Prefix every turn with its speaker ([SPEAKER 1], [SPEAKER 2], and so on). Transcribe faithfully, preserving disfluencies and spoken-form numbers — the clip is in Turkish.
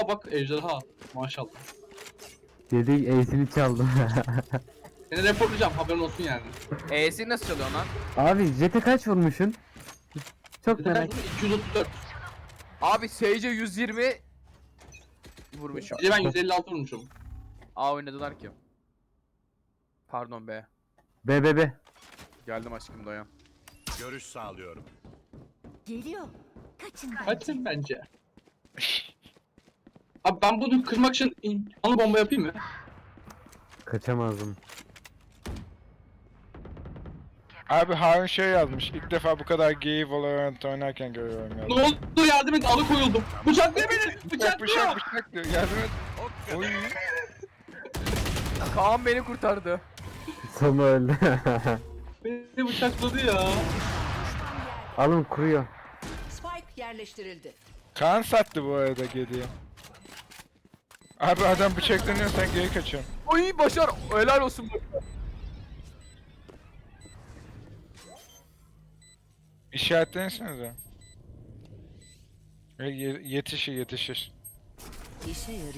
[SPEAKER 1] bak ejderha. Maşallah.
[SPEAKER 2] Dedik Ace'ini çaldım.
[SPEAKER 1] Seni reportlayacağım haberin olsun yani.
[SPEAKER 3] E'si nasıl çalıyor lan?
[SPEAKER 2] Abi Jet'e kaç vurmuşsun? Çok
[SPEAKER 1] Bir de
[SPEAKER 2] merak.
[SPEAKER 1] kaç vurdu? iki yüz otuz dört.
[SPEAKER 3] Abi Sage'e yüz yirmi vurmuşum.
[SPEAKER 1] Bir de ben yüz elli altı vurmuşum.
[SPEAKER 3] A oynadılar ki. Pardon be.
[SPEAKER 2] B B B.
[SPEAKER 3] Geldim aşkım dayan.
[SPEAKER 4] Görüş sağlıyorum.
[SPEAKER 5] Geliyor. Kaçın bence.
[SPEAKER 1] Kaçın bence. Abi ben bunu kırmak için in- anı bomba yapayım mı?
[SPEAKER 2] Kaçamazdım.
[SPEAKER 6] Abi Harun şey yazmış. İlk defa bu kadar gay Valorant oynarken görüyorum
[SPEAKER 1] Ne
[SPEAKER 6] yazmış.
[SPEAKER 1] oldu yardım et alıkoyuldum. Bıçaklıyor beni.
[SPEAKER 6] Bıçak
[SPEAKER 1] Bıçaklıyor.
[SPEAKER 6] bıçak bıçak diyor. Yardım et. Oy.
[SPEAKER 3] Kaan beni kurtardı.
[SPEAKER 2] Sonu öldü.
[SPEAKER 1] Beni bıçakladı ya.
[SPEAKER 2] Alın kuruyor.
[SPEAKER 5] Spike yerleştirildi.
[SPEAKER 6] Kaan sattı bu arada geriye. Abi adam bıçaklanıyor sen geri kaçıyorsun.
[SPEAKER 3] Oy başar. Helal olsun.
[SPEAKER 6] İşaretlensenize. Ve ye- yetişir yetişir.
[SPEAKER 5] İşe yarıyor.